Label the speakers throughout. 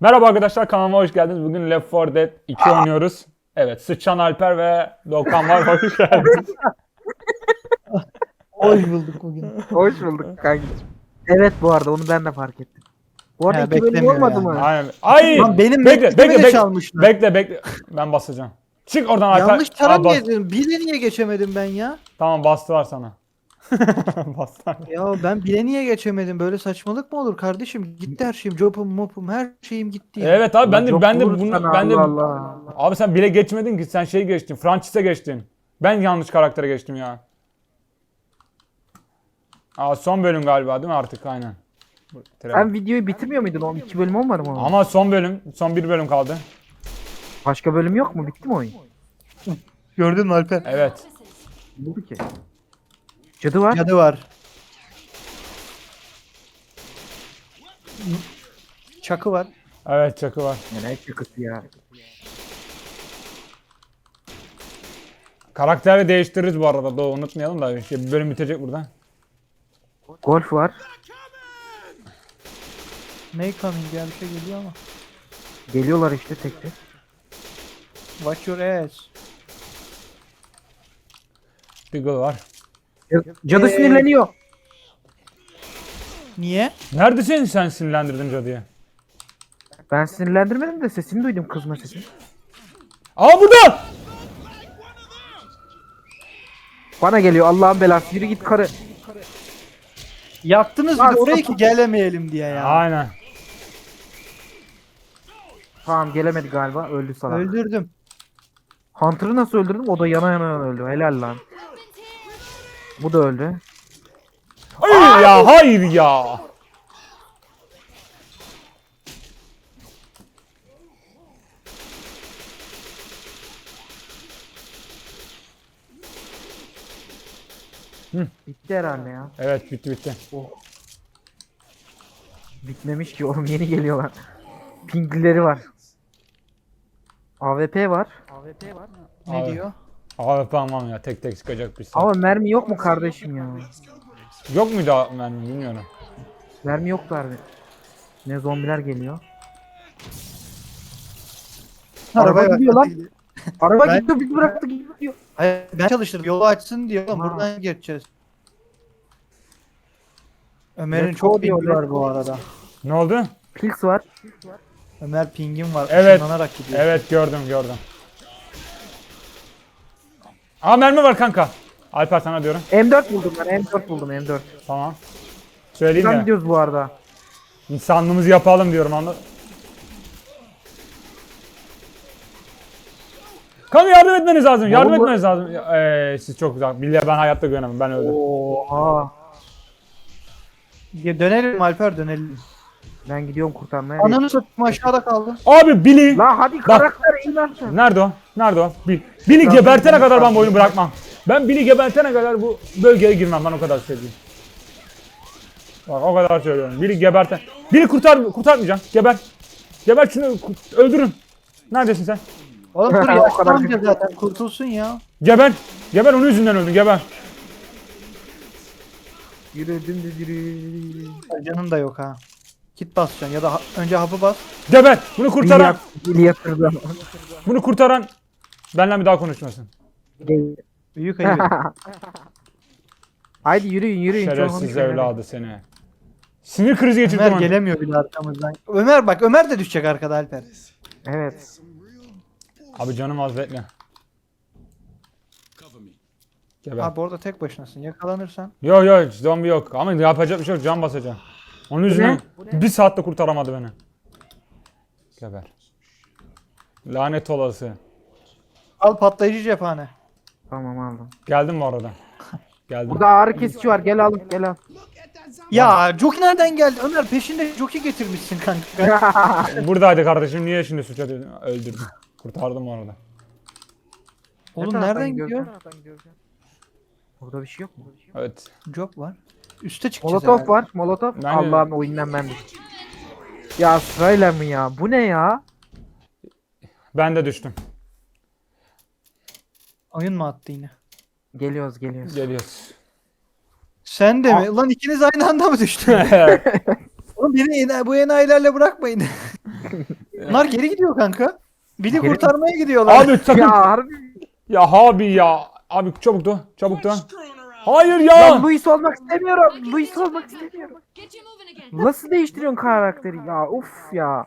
Speaker 1: Merhaba arkadaşlar, kanalıma hoş geldiniz. Bugün Left 4 Dead 2 oynuyoruz. Evet, Sıçan Alper ve Doğukan var. Hoş geldiniz.
Speaker 2: Hoş bulduk bugün.
Speaker 3: Hoş bulduk kankacığım. Evet, bu arada onu ben de fark ettim. Bu arada
Speaker 2: Ha,
Speaker 3: 2 bölüm
Speaker 2: beklemiyor
Speaker 3: olmadı
Speaker 2: yani.
Speaker 3: mı?
Speaker 1: Aynen. Ay!
Speaker 2: Lan benim
Speaker 1: bekle,
Speaker 2: mektubimi
Speaker 1: bekle,
Speaker 2: de
Speaker 1: bekle.
Speaker 2: çalmışlar.
Speaker 1: Bekle. Ben basacağım. Çık oradan Alper.
Speaker 2: Yanlış
Speaker 1: Aa,
Speaker 2: tara
Speaker 1: bas.
Speaker 2: niye? Bile niye geçemedim ben ya?
Speaker 1: Tamam, bastılar sana. Bastılar.
Speaker 2: Ya ben bile niye geçemedim? Böyle saçmalık mı olur kardeşim? Gitti her şeyim, jobum, mopum, her şeyim gitti ya.
Speaker 1: Evet abi, ben de
Speaker 3: Çok
Speaker 1: ben de
Speaker 3: vururuz
Speaker 1: bunu
Speaker 3: sana,
Speaker 1: ben de
Speaker 3: Allah Allah.
Speaker 1: abi sen bile geçmedin ki, sen şey geçtin. Francis'e geçtin. Ben yanlış karaktere geçtim ya. Aa, son bölüm galiba değil mi artık? Aynen.
Speaker 3: Sen videoyu bitirmiyor muydun? O 2 bölüm olmadı mı?
Speaker 1: Ama son bir bölüm kaldı.
Speaker 3: Başka bölüm yok mu? Bitti mi oyun?
Speaker 2: Gördün mü Alper?
Speaker 1: Evet.
Speaker 3: Ne oldu ki? Cadı var.
Speaker 2: Cadı var. Çakı var.
Speaker 1: Evet, çakı var.
Speaker 3: Ya ne şakası ya.
Speaker 1: Karakteri değiştiririz bu arada. Doğu, unutmayalım da bir bölüm bitecek burada.
Speaker 3: Golf var.
Speaker 2: May coming ya bir şey geliyor ama.
Speaker 3: Geliyorlar işte tek tek.
Speaker 2: Watch your ass.
Speaker 1: Deagle var.
Speaker 3: Cadı sinirleniyor.
Speaker 2: Niye?
Speaker 1: Neredesin sen, sinirlendirdin cadıyı?
Speaker 3: Ben sinirlendirmedim de sesini duydum, kızma sesini.
Speaker 1: Aa, burada!
Speaker 3: Bana geliyor, Allah'ın belası. Yürü git karı.
Speaker 2: Yaktınız bir
Speaker 3: Lan
Speaker 2: de oraya
Speaker 3: sapık.
Speaker 2: ki gelemeyelim diye ya.
Speaker 1: Aynen.
Speaker 3: Tamam, gelemedi galiba. Öldü salak.
Speaker 2: Öldürdüm.
Speaker 3: Hunter'ı nasıl öldürdüm? O da yana yana öldü. Helal lan. Bu da öldü.
Speaker 1: Hayır ya, hayır ya.
Speaker 3: Bitti herhalde ya.
Speaker 1: Evet, bitti.
Speaker 3: Bitmemiş ki oğlum, yeni geliyorlar. Pinglileri var. AWP var.
Speaker 2: Ne
Speaker 1: Abi.
Speaker 2: diyor?
Speaker 1: Abi tamam ya, tek tek çıkacak bir saat.
Speaker 3: Ama mermi yok mu kardeşim ya?
Speaker 1: Yok muydu mermi, bilmiyorum.
Speaker 3: Mermi yok harbi. Ne zombiler geliyor. Araba gidiyor lan. Araba
Speaker 2: Ben-
Speaker 3: gidiyor, bizi bıraktı gidiyor.
Speaker 2: Hayır, ben çalıştırdım. Yolu açsın diyor.
Speaker 3: Ha.
Speaker 2: Buradan geçeceğiz. Ömer'in
Speaker 3: Let's
Speaker 2: çok
Speaker 3: go diyor,
Speaker 2: pingi var
Speaker 3: let's
Speaker 2: bu arada.
Speaker 1: Ne oldu?
Speaker 3: Pils var.
Speaker 2: Ömer pingim var.
Speaker 1: Evet.
Speaker 2: Işınlanarak gidiyor.
Speaker 1: Evet, gördüm. Aa, mermi var kanka. Alper sana diyorum.
Speaker 3: M4 buldum ben, M4 buldum, M4.
Speaker 1: Tamam. Söyleyeyim
Speaker 3: Buradan
Speaker 1: de.
Speaker 3: gidiyoruz bu arada.
Speaker 1: İnsanlığımızı yapalım diyorum, anladın. Kanka, yardım etmeniz lazım. Yardım
Speaker 3: Oğlum bu-
Speaker 1: etmeniz lazım. Siz çok güzel. Billahi ben hayatta güvenemem. Ben öldüm.
Speaker 3: Oha.
Speaker 2: Ya dönelim Alper dönelim.
Speaker 3: Ben gidiyorum kurtarmaya.
Speaker 2: Ananı satayım aşağıda kaldı.
Speaker 1: Abi Billy.
Speaker 3: La hadi karakter inersen.
Speaker 1: Nerede o? Billy gebertene kadar ben bu oyunu bırakmam. Ben Billy gebertene kadar bu bölgeye girmem. Ben o kadar söyleyeyim. Bak, o kadar söylüyorum. Billy geberten. Billy kurtarmayacağım. Geber şunu, öldürün. Neredesin sen?
Speaker 2: Oğlum dur
Speaker 3: O kadar
Speaker 2: yaşlanınca
Speaker 3: kötü.
Speaker 2: zaten kurtulsun ya.
Speaker 1: Geber. Onun yüzünden öldün. Geber.
Speaker 3: Yürü dümdüz yürü.
Speaker 2: Canın da yok ha. Kit basacaksın ya da önce hapı bas.
Speaker 1: Geber. Bunu
Speaker 3: Yatırdı.
Speaker 1: kurtaran benimle bir daha konuşmasın.
Speaker 2: Büyük ayıp.
Speaker 3: Haydi yürüyün. Hiç
Speaker 1: Şerefsiz
Speaker 3: olmamış
Speaker 1: evladı seni. Sinir krizi geçirdim.
Speaker 2: Ömer
Speaker 1: ben.
Speaker 2: gelemiyor bile arkamızdan. Ömer bak Ömer de düşecek arkada Alper.
Speaker 3: Evet.
Speaker 1: Abi canım az, bekle. Geber.
Speaker 2: Abi orada tek başınasın. Yakalanırsan.
Speaker 1: Yok, zombi yok. Ama yapacak bir şey yok. Can basacağım. Onun yüzünden bir saatte kurtaramadı beni. Geber. Lanet olası.
Speaker 2: Al patlayıcı cephane.
Speaker 3: Tamam aldım.
Speaker 1: Geldim bu arada. Geldim.
Speaker 3: Burada ağrı kesici var. Gel al. Gel al.
Speaker 2: Ya Joki nereden geldi? Ömer peşinde Joki getirmişsin kanka.
Speaker 1: Buradaydı kardeşim. Niye şimdi suç atıyorsun? Öldürdüm. Kurtardım bu arada.
Speaker 2: Oğlum
Speaker 3: Ne
Speaker 2: nereden
Speaker 3: taraftan
Speaker 2: gidiyor?
Speaker 3: gidiyoruz? Burada bir şey yok mu?
Speaker 1: Evet.
Speaker 2: Job var. Üste çıkacağız
Speaker 3: Molotov
Speaker 2: herhalde.
Speaker 3: var. Molotov.
Speaker 1: Ben-
Speaker 3: Allah'ım, oyundan ben düştüm. Ya sırayla mı ya? Bu ne ya?
Speaker 1: Ben de düştüm.
Speaker 2: Oyun mu attı yine?
Speaker 3: Geliyoruz.
Speaker 1: Geliyoruz.
Speaker 2: Sen de mi? Lan ikiniz aynı anda mı düştün? Oğlum beni bu enayilerle bırakmayın. Bunlar geri gidiyor kanka. Biri
Speaker 3: Geri-
Speaker 2: kurtarmaya gidiyorlar.
Speaker 1: Abi sakın.
Speaker 3: Ya
Speaker 1: Ya,
Speaker 3: harbi.
Speaker 1: abi ya. Abi çabuk da. Çabuk da. Hayır
Speaker 3: Lan
Speaker 1: ya.
Speaker 3: Luis olmak istemiyorum. Luis olmak istemiyorum.
Speaker 4: Get you moving again.
Speaker 3: Nasıl değiştiriyorsun karakteri ya? Uf ya.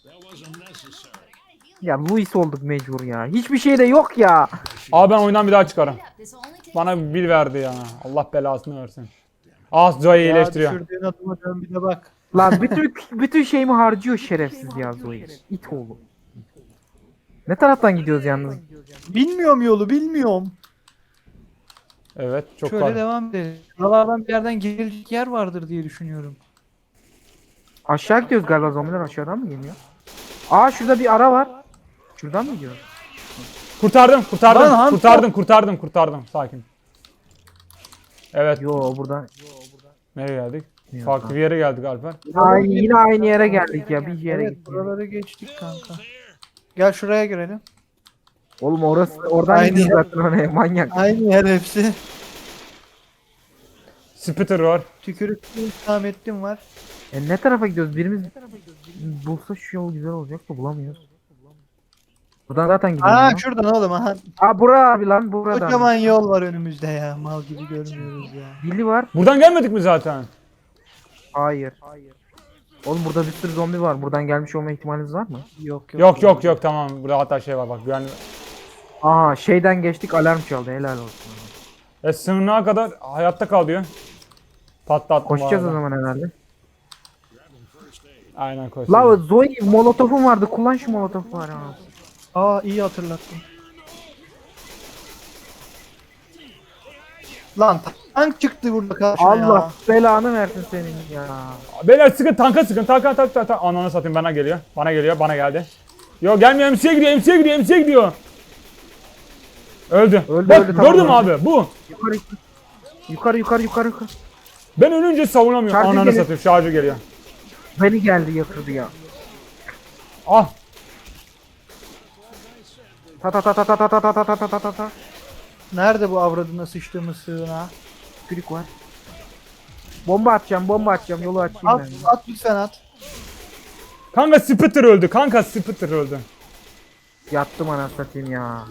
Speaker 3: Ya Luis olduk mecbur ya. Hiçbir şey de yok ya.
Speaker 1: Abi ben oyundan bir daha çıkarım.
Speaker 4: This will only take
Speaker 1: Bana bir verdi ya. Allah belasını versin. Ah Zoe
Speaker 2: Ya
Speaker 1: iyileştiriyor.
Speaker 2: düşürdüğün adıma dön bir de bak.
Speaker 3: Lan bütün şeyimi harcıyor şerefsiz ya Zoe. İt oğlu. Ne taraftan gidiyoruz yalnız?
Speaker 2: Bilmiyorum yolu bilmiyorum.
Speaker 1: Evet çok
Speaker 2: Şöyle
Speaker 1: var.
Speaker 2: devam edelim. Buralardan bir yerden girilecek yer vardır diye düşünüyorum.
Speaker 3: Aşağı gidiyoruz galiba, zombiler aşağıdan mı geliyor? Aa şurada bir ara var. Şuradan mı gidiyoruz?
Speaker 1: Kurtardım, kurtardım,
Speaker 2: Lan Hamza.
Speaker 1: kurtardım. Sakin. Evet,
Speaker 3: Yo buradan.
Speaker 1: nereye geldik?
Speaker 3: Yok,
Speaker 1: Farklı bir yere geldik Alper.
Speaker 3: Yine aynı yere geldik ya, bir yere
Speaker 2: Evet
Speaker 3: gittik.
Speaker 2: buraları geçtik kanka. Gel şuraya girelim.
Speaker 3: Oğlum oradan
Speaker 2: Aynı
Speaker 3: gidiyoruz
Speaker 2: yer.
Speaker 3: zaten oraya, manyak.
Speaker 2: Aynı yer hepsi.
Speaker 1: Spitter var.
Speaker 2: Tükürüklü İslamettin var.
Speaker 3: Ne tarafa gidiyoruz? Birimiz bulsa şu yol güzel olacak da bulamıyoruz. Buradan zaten gidiyoruz.
Speaker 2: Aa
Speaker 3: ya.
Speaker 2: şuradan oğlum aha.
Speaker 3: Bura abi lan, buradan.
Speaker 2: Kocaman yol var önümüzde ya. Mal gibi görmüyoruz ya.
Speaker 3: Dili var.
Speaker 1: Buradan gelmedik mi zaten?
Speaker 3: Hayır. Oğlum burada bir sürü zombi var. Buradan gelmiş olma ihtimaliniz var mı?
Speaker 2: Yok.
Speaker 1: Tamam. Burada hatta şey var bak. Güvenli.
Speaker 3: Aa şeyden geçtik, alarm çaldı, helal olsun.
Speaker 1: Sınırına kadar hayatta kal diyor. Patlattım.
Speaker 3: Koşacağız
Speaker 1: bu
Speaker 3: o
Speaker 1: arada.
Speaker 3: zaman herhalde.
Speaker 1: Aynen koş.
Speaker 3: La Zoe molotofum vardı, kullan şu molotofu var ya.
Speaker 2: Aa iyi hatırlattın. Lan tank çıktı burada karşıma
Speaker 3: Allah
Speaker 2: ya.
Speaker 3: belanı versin senin ya.
Speaker 1: Beyler sıkın, tanka sıkın. Tank. Ananı satayım, bana geliyor. Bana geldi. Yo gelmiyor, MC'ye gidiyor. Öldü.
Speaker 3: Öldü,
Speaker 1: Bak
Speaker 3: öldü, tamam,
Speaker 1: gördün mü
Speaker 3: öldü.
Speaker 1: abi? Bu.
Speaker 3: Yukarı.
Speaker 1: Ben ölünce savunamıyorum.
Speaker 3: Şarjı
Speaker 1: Ananı
Speaker 3: geliyor.
Speaker 1: satayım, şarjı geliyor.
Speaker 3: Beni geldi yatırdı ya.
Speaker 1: Ah.
Speaker 3: Ta.
Speaker 2: Nerede bu avradına sıçtığımız sığına?
Speaker 3: Klik var. Bomba atacağım, yolu açayım
Speaker 2: At,
Speaker 3: ben.
Speaker 2: at lütfen at.
Speaker 1: Kanka Spitter öldü.
Speaker 3: Yattım anasını satayım ya.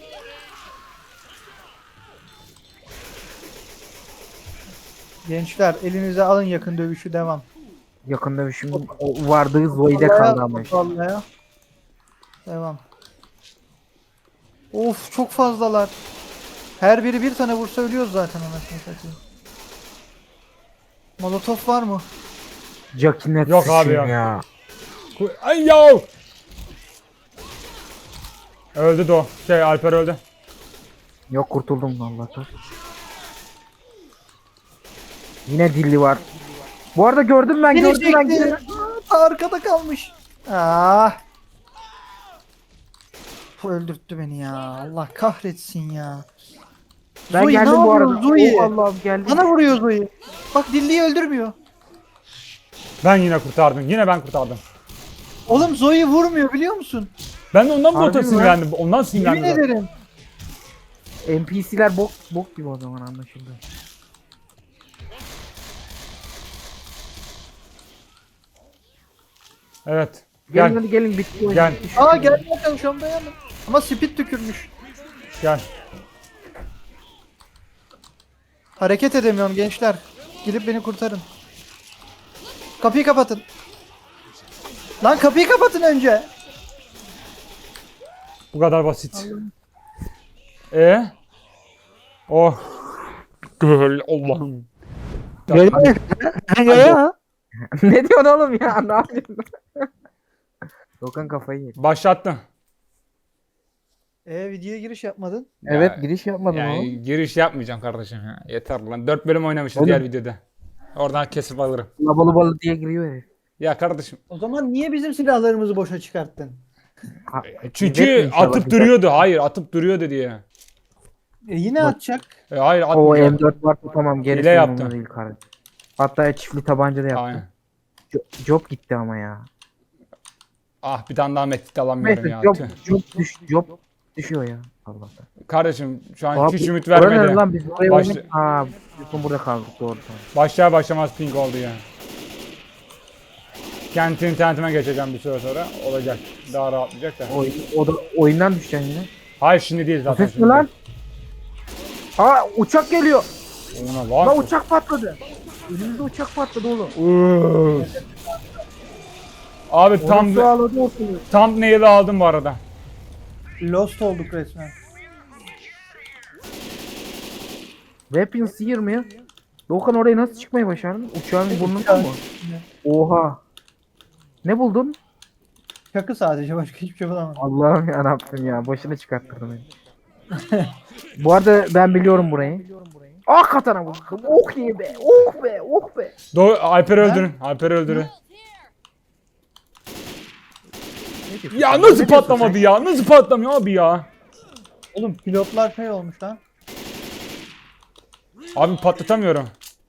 Speaker 2: Gençler elinize alın yakın dövüşü devam.
Speaker 3: Yakında şimdi o vardığı Zoe'de kaldı ama işte.
Speaker 2: Vallahi. Devam. Of çok fazlalar. Her biri bir tane vursa ölüyoruz zaten anasını satayım. Molotof var mı?
Speaker 3: Jack'inet
Speaker 1: Yok abi
Speaker 3: sıçayım
Speaker 1: ya.
Speaker 3: ya.
Speaker 1: Ay yav. Öldü de o. Alper öldü.
Speaker 3: Yok, kurtuldum Allah'tan. Yine dilli var. Bu arada gördüm ben.
Speaker 2: Aa, arkada kalmış. Ah. Bu öldürttü beni ya. Allah kahretsin ya.
Speaker 3: Ben
Speaker 2: Zoe,
Speaker 3: geldim
Speaker 2: ne
Speaker 3: bu arada.
Speaker 2: yapıyorsun Zoe?
Speaker 3: Oh, Allah'ım geldim.
Speaker 2: Bana vuruyor Zoe. Bak Dilli'yi öldürmüyor.
Speaker 1: Ben yine kurtardım. Yine ben kurtardım.
Speaker 2: Oğlum Zoe vurmuyor biliyor musun?
Speaker 1: Ben de ondan
Speaker 3: Harbi
Speaker 1: bota
Speaker 3: mi lan?
Speaker 1: sinirlendim. Ondan
Speaker 2: Yemin
Speaker 1: sinirlendim. zaten.
Speaker 2: ederim.
Speaker 3: NPC'ler bok gibi o zaman, anlaşıldı.
Speaker 1: Evet.
Speaker 3: Gelin
Speaker 1: Gel.
Speaker 3: hadi gelin, bitti oyun.
Speaker 1: Gel.
Speaker 3: Bitti şu
Speaker 2: Aa
Speaker 3: oyun.
Speaker 2: gelmeye çalışıyorum dayanın. Ama speed tükürmüş.
Speaker 1: Gel.
Speaker 2: Hareket edemiyorum gençler. Gidip beni kurtarın. Kapıyı kapatın. Lan kapıyı kapatın önce.
Speaker 1: Bu kadar basit. Oh. Göl Allah'ım.
Speaker 3: Ne diyorsun oğlum ya? Ne yapıyorsun? Dokan kafayı yedi.
Speaker 1: Başlattım.
Speaker 2: Videoya giriş yapmadın.
Speaker 3: Evet, giriş yapmadın
Speaker 1: Yani
Speaker 3: oğlum.
Speaker 1: giriş yapmayacağım kardeşim ya. Yeter lan. 4 bölüm oynamışız
Speaker 3: Oğlum.
Speaker 1: diğer videoda. Oradan kesip alırım.
Speaker 3: Balı diye giriyor herif.
Speaker 1: Ya kardeşim.
Speaker 2: O zaman niye bizim silahlarımızı boşa çıkarttın?
Speaker 1: Çünkü
Speaker 3: İzletme inşallah,
Speaker 1: atıp
Speaker 3: güzel.
Speaker 1: duruyordu. Hayır, atıp duruyordu diye.
Speaker 2: Yine atacak.
Speaker 1: Hayır
Speaker 3: O
Speaker 1: atmayacak.
Speaker 3: M4 var, tamam, gerisi
Speaker 1: Hile yaptım.
Speaker 3: umurumda değil kardeşim. Hatta çiftli tabanca da yaptım.
Speaker 1: Aynen.
Speaker 3: Job gitti ama ya.
Speaker 1: Ah bir tane daha medkit alamıyorum
Speaker 3: Neyse,
Speaker 1: ya. Tüh.
Speaker 3: job düşüyor ya. Allah'tan.
Speaker 1: Kardeşim şu an
Speaker 3: Abi,
Speaker 1: hiç ümit
Speaker 3: orada
Speaker 1: vermedi.
Speaker 3: ne lan, biz buraya
Speaker 1: Başla-
Speaker 3: oynadık. Aa, biz burada kaldık, doğru tamam.
Speaker 1: Başlar başlamaz ping oldu ya. Kendi internetime geçeceğim bir süre sonra. Olacak. Daha rahatlayacak da.
Speaker 3: O da oyundan düşeceksin yine.
Speaker 1: Hayır şimdi değil zaten.
Speaker 3: Ses mi lan? Aa uçak geliyor.
Speaker 1: Ona var.
Speaker 3: Lan uçak patladı. Önümüzde uçak patladı oğlum.
Speaker 1: Abi
Speaker 3: Tam
Speaker 1: tam
Speaker 3: su ağladı ortalığı.
Speaker 1: thumbnail'i aldım bu arada.
Speaker 2: Lost olduk resmen.
Speaker 3: Weapons 20. Doğukan oraya nasıl çıkmayı başardın? Uçağın burnundan mı? Oha. Ne buldun?
Speaker 2: Çakı sadece, başka hiçbir şey bulamadım.
Speaker 3: Allah'ım yarabbim ya. Başını çıkarttırdın beni. Bu arada ben biliyorum burayı. Ah katana buldum. Oh iyi be. Oh be. Oh be.
Speaker 1: Alper'i öldürün. Alper'i öldürün. Ya nasıl patlamadı ya? Nasıl patlamıyor abi ya?
Speaker 2: Oğlum pilotlar şey olmuş lan.
Speaker 1: Abi patlatamıyorum.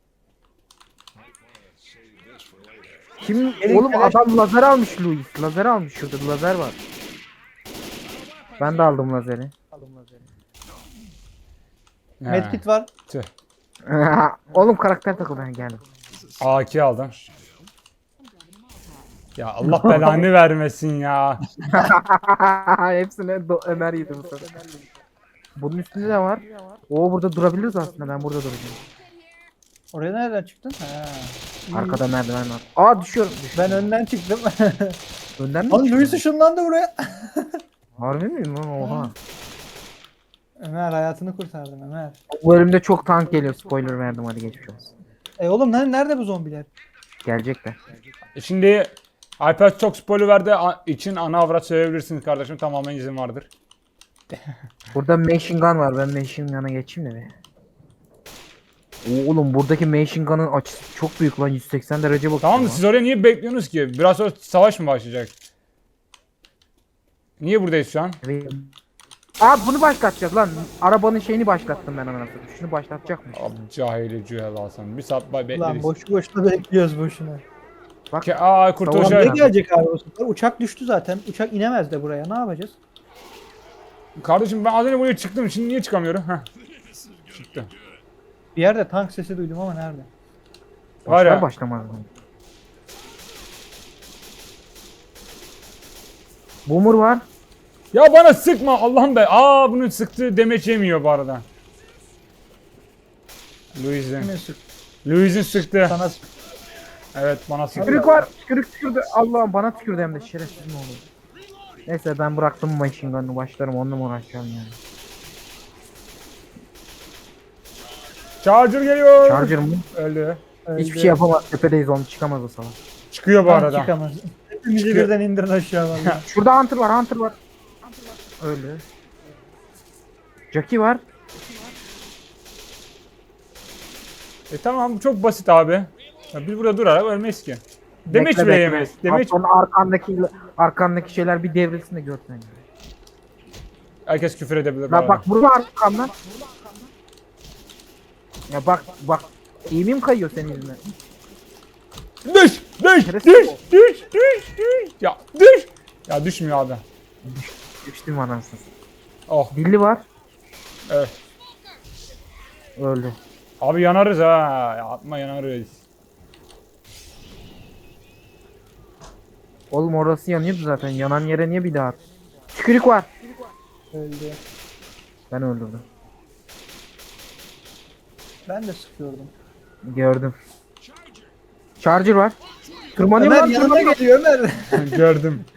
Speaker 3: Kim?
Speaker 2: Elin
Speaker 3: Oğlum
Speaker 2: keleş-
Speaker 3: adam lazer almış Louis. Lazer almış şurada. Lazer var. Ben de aldım lazeri.
Speaker 1: He,
Speaker 2: Medkit var.
Speaker 1: tüh.
Speaker 3: Oğlum karakter takıl ben geldim.
Speaker 1: AK aldım. Ya Allah belanı vermesin ya.
Speaker 3: Hepsine Ömer yedi bu sefer. Bunun üstünde de var. O burada durabiliriz aslında. Ben burada duracağım.
Speaker 2: Oraya nereden çıktın? Ha. iyi.
Speaker 3: Arkada merdiven var. Aa düşüyorum.
Speaker 2: Ben önden çıktım.
Speaker 3: Önden mi?
Speaker 2: Lan
Speaker 3: düşüyorum?
Speaker 2: Louis ışınlandı buraya.
Speaker 3: Harbi miyim lan? Oha.
Speaker 2: Ömer hayatını kurtardın Ömer.
Speaker 3: Bu bölümde çok tank geliyor. Spoiler verdim hadi geçmiş olsun.
Speaker 2: Oğlum nerede bu zombiler?
Speaker 3: Gelecekler.
Speaker 1: Şimdi Alper çok spoiler verdi için ana avrat söyleyebilirsiniz kardeşim. Tamamen izin vardır.
Speaker 3: Burada machine gun var. Ben machine gun'a geçeyim de be. Oğlum buradaki machine gun'ın açısı çok büyük lan. 180 derece bakıyor.
Speaker 1: Tamam da
Speaker 3: lan.
Speaker 1: siz oraya niye bekliyorsunuz ki? Biraz sonra savaş mı başlayacak? Niye buradayız şu an?
Speaker 3: Evet. Aa bunu başlatacak lan. Arabanın şeyini başlattım ben anasını. Şunu başlatacak mı?
Speaker 1: Abi cahili cühel alsan. Bir saat bekleriz.
Speaker 2: Lan boşu boşuna bekliyoruz boşuna.
Speaker 3: Bak.
Speaker 1: Aa kurtuluş.
Speaker 3: Tamam,
Speaker 2: Ne
Speaker 3: Abi.
Speaker 2: gelecek abi o sefer? Uçak düştü zaten. Uçak inemez de buraya. Ne yapacağız?
Speaker 1: Kardeşim ben az önce buraya çıktım. Şimdi niye çıkamıyorum? Heh. Çıktı.
Speaker 2: Bir yerde tank sesi duydum ama nerede?
Speaker 1: Var
Speaker 3: Başlar
Speaker 1: ya.
Speaker 3: başlamaz. Boomer var.
Speaker 1: Ya bana sıkma Allah'ım be. Aa bunu sıktı demeç yemiyor bu arada. Louis'in.
Speaker 2: Kimin sık?
Speaker 1: Louis'in sıktı.
Speaker 2: Sana
Speaker 1: Evet bana sıktı.
Speaker 3: Tükürük var. Tükürük tükürdü. Allah'ım bana tükürdü hem de şerefsiz mi olur. Neyse ben bıraktım machine gun'ı başlarım onunla mı uğraşacağım yani.
Speaker 1: Charger geliyor.
Speaker 3: Charger mı?
Speaker 1: Öldü.
Speaker 3: Hiçbir şey yapamaz. Tepedeyiz onu çıkamaz o salak.
Speaker 1: Çıkıyor bu
Speaker 2: tank
Speaker 1: arada.
Speaker 2: çıkamaz. Hepimizi
Speaker 1: Çıkıyor.
Speaker 2: birden indirin aşağı vallahi.
Speaker 3: Şurada Hunter var. Hunter var. Öyle. Jackie var.
Speaker 1: Tamam çok basit abi. Ya biz burada durarak ölmeyiz ki. Demeç
Speaker 3: Bekle,
Speaker 1: bile
Speaker 3: bekle.
Speaker 1: yemeyiz. Demeç
Speaker 3: Sonra arkandaki şeyler bir devrilsin de görsen.
Speaker 1: herkes küfür edebilir. bu
Speaker 3: Ya
Speaker 1: arada.
Speaker 3: bak burada arkamdan. Ya bak. İğmim kayıyor senin yüzünden.
Speaker 1: Düş! Düş!
Speaker 3: Şerefsiz
Speaker 1: Düş!
Speaker 3: ol.
Speaker 1: Düş! Düş! Düş! Ya düş! Ya düşmüyor abi.
Speaker 3: Düştüm anasını.
Speaker 1: Oh.
Speaker 3: Dilli var.
Speaker 1: Evet.
Speaker 3: Öldü.
Speaker 1: Abi yanarız ha. Ya atma yanarız.
Speaker 3: Oğlum orası yanıyordu zaten. Yanan yere niye bir daha at? Tükürük var.
Speaker 2: Öldü.
Speaker 3: Ben öldürdüm.
Speaker 2: Ben de sıkıyordum.
Speaker 3: Gördüm. Charger var. Tırmanıyor
Speaker 2: Ömer
Speaker 3: lan
Speaker 2: yanına
Speaker 3: tırmanıyor.
Speaker 2: geliyor Ömer.
Speaker 1: Gördüm.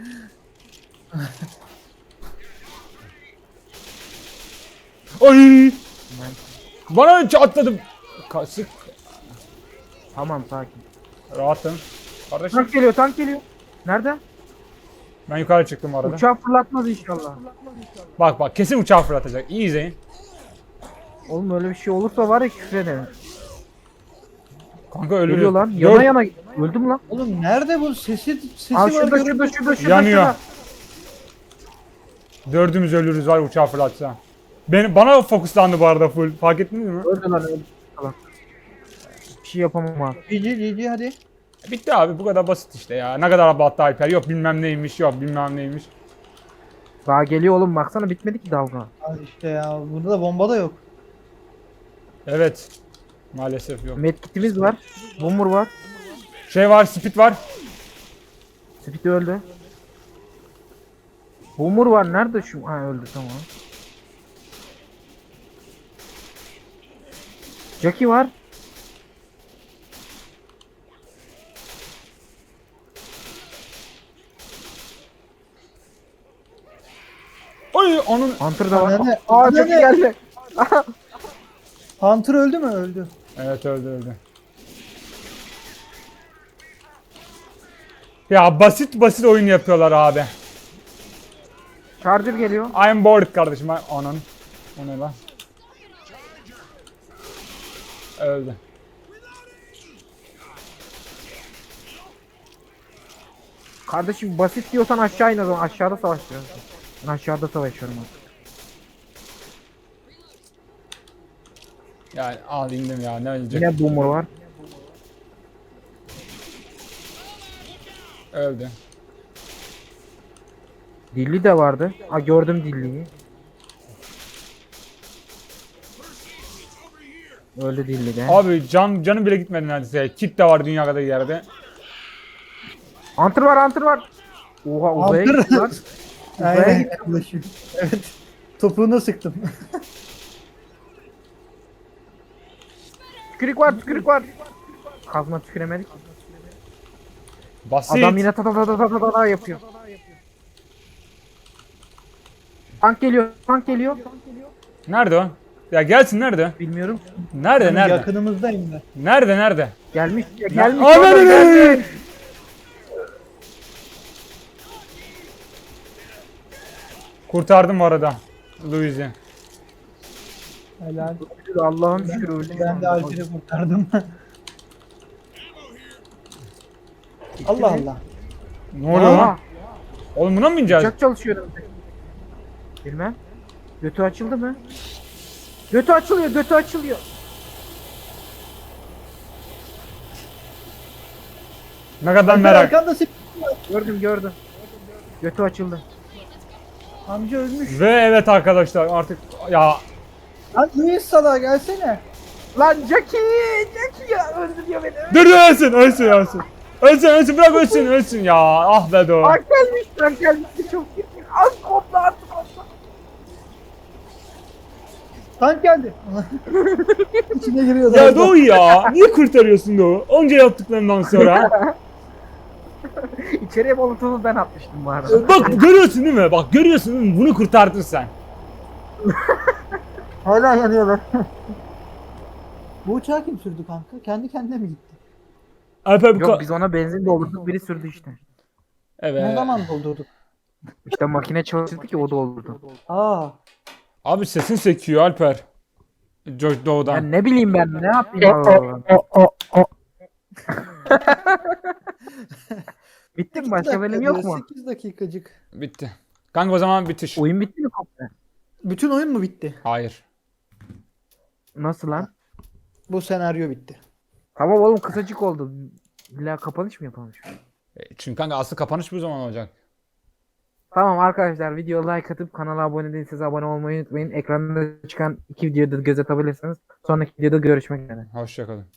Speaker 1: Ay! Bana önce atladım. Sık.
Speaker 3: Tamam sakin.
Speaker 1: Rahatım. Kardeşim
Speaker 3: Tank geliyor tank geliyor. Nerede?
Speaker 1: ben yukarı çıktım arada.
Speaker 3: Uçağı fırlatmaz inşallah.
Speaker 1: Bak kesin uçağı fırlatacak. İyi izleyin.
Speaker 3: Oğlum öyle bir şey olursa var ya küfrederim.
Speaker 1: Kanka ölürüz.
Speaker 3: Geliyor lan.
Speaker 1: Dur.
Speaker 3: Yana yana. Öldüm lan.
Speaker 2: Oğlum nerede bu sesi
Speaker 3: Aa
Speaker 2: var
Speaker 3: şurada
Speaker 2: görüyorum.
Speaker 3: şurada.
Speaker 1: Yanıyor. Dördümüz ölürüz var uçağı fırlatsa. Bana fokuslandı bu arada full. Fark ettiniz mi?
Speaker 3: Öldü lan öldü. Salak. Bir şey yapamam abi.
Speaker 2: GG hadi.
Speaker 1: Bitti abi bu kadar basit işte ya. Ne kadar abarttı Alper. Yok bilmem neymiş yok bilmem neymiş.
Speaker 3: Daha geliyor oğlum baksana bitmedi ki dalga.
Speaker 2: Al işte ya, burada da bomba da yok.
Speaker 1: Evet. Maalesef yok.
Speaker 3: Medkitimiz var. Boomer var.
Speaker 1: Şey var speed var.
Speaker 3: Speed öldü. Boomer var nerede şu? Ha öldü tamam. Jackie var.
Speaker 1: Oy onun
Speaker 3: Hunter da var.
Speaker 2: Ananı-
Speaker 3: Aa
Speaker 2: ananı-
Speaker 3: Jackie geldi.
Speaker 2: Hunter öldü mü? Öldü.
Speaker 1: evet öldü. Ya basit oyun yapıyorlar abi.
Speaker 3: Charger geliyor.
Speaker 1: I'm bored kardeşim. Onun. O ne lan? Öldü.
Speaker 3: Kardeşim basit diyorsan aşağı in o zaman. Aşağıda savaşıyorsun. Ben aşağıda savaşıyorum artık.
Speaker 1: Yani al indim ya ne ölecek.
Speaker 3: Yine boomer var.
Speaker 1: Öldü.
Speaker 3: Dilli de vardı. Aa gördüm Dilli'yi. Öldü Dilli de.
Speaker 1: Abi canım bile gitmedi neredeyse. Kit de var dünya kadar yerde.
Speaker 3: Hunter var. Oha uzaya
Speaker 2: Hunter.
Speaker 3: gitti lan. Uzaya
Speaker 2: Aynen
Speaker 3: gitti.
Speaker 2: yaklaşıyor. Evet. Topuğuna sıktım.
Speaker 3: Tükürük var. Kazma tüküremedik.
Speaker 1: Basit.
Speaker 3: Adam yine ta ta ta ta ta ta ta yapıyor. Tank geliyor.
Speaker 1: Nerede o? Ya gelsin nerede?
Speaker 3: Bilmiyorum.
Speaker 1: Nerede?
Speaker 2: Yakınımızdayım ben.
Speaker 1: Nerede?
Speaker 3: Gelmiş.
Speaker 1: Ananı! Kurtardım bu arada. Louis'i.
Speaker 2: Helal.
Speaker 3: Allah'ım şükür öldü.
Speaker 2: Ben de Alper'i kurtardım. Allah Allah.
Speaker 1: Ne oluyor
Speaker 3: Aa,
Speaker 1: lan? Oğlum buna mı bineceğiz?
Speaker 3: uçak çalışıyor önümde. Bilmem. Götü açıldı mı? Götü açılıyor.
Speaker 1: Ne kadar
Speaker 2: Alper
Speaker 1: merak.
Speaker 2: arkanda
Speaker 3: Gördüm. Götü açıldı.
Speaker 2: amca ölmüş.
Speaker 1: Ve evet arkadaşlar artık ya
Speaker 2: Lan Luis Sala gelsene.
Speaker 3: Lan Jackie ya öldürüyor beni.
Speaker 1: dur ölsün. Ölsün bırak ölsün ya. Ah be do.
Speaker 3: Tank gelmiş çok iyi. Az kopla artık kopla.
Speaker 2: Tank geldi. İçine giriyor.
Speaker 1: Ya Doğu ya. Niye kurtarıyorsun Doğu? Onca yaptıklarından sonra.
Speaker 3: İçeriye molotofu ben atmıştım bu arada.
Speaker 1: Bak görüyorsun değil mi? Bak görüyorsun değil mi? Bunu kurtardın sen.
Speaker 2: Hala yanıyorlar. Bu uçağı kim sürdü kanka? Kendi kendine mi gitti?
Speaker 1: Alper bu
Speaker 3: Yok biz ona benzin doldurduk biri sürdü işte.
Speaker 1: Evet.
Speaker 2: Ne zaman doldurduk?
Speaker 3: İşte makine çalıştı ki o doldurdu.
Speaker 2: Aa.
Speaker 1: Abi sesin sekiyor Alper. Doğu'dan.
Speaker 3: Ben ne bileyim ben ne yapayım Allah Allah. Bitti mi? Başka bölüm yok mu?
Speaker 2: 8 dakikacık.
Speaker 1: Bitti. Kanka o zaman bitiş.
Speaker 3: Oyun bitti mi komple?
Speaker 2: Bütün oyun mu bitti?
Speaker 1: Hayır.
Speaker 3: Nasıl lan?
Speaker 2: Bu senaryo bitti.
Speaker 3: Tamam oğlum kısacık oldu. İlla kapanış mı yapalım şu an?
Speaker 1: Çünkü kanka asıl kapanış bu zaman olacak.
Speaker 3: Tamam arkadaşlar video like atıp kanala abone değilseniz abone olmayı unutmayın. Ekranda çıkan iki videoda göz atabilirsiniz. Sonraki videoda görüşmek üzere.
Speaker 1: Hoşçakalın.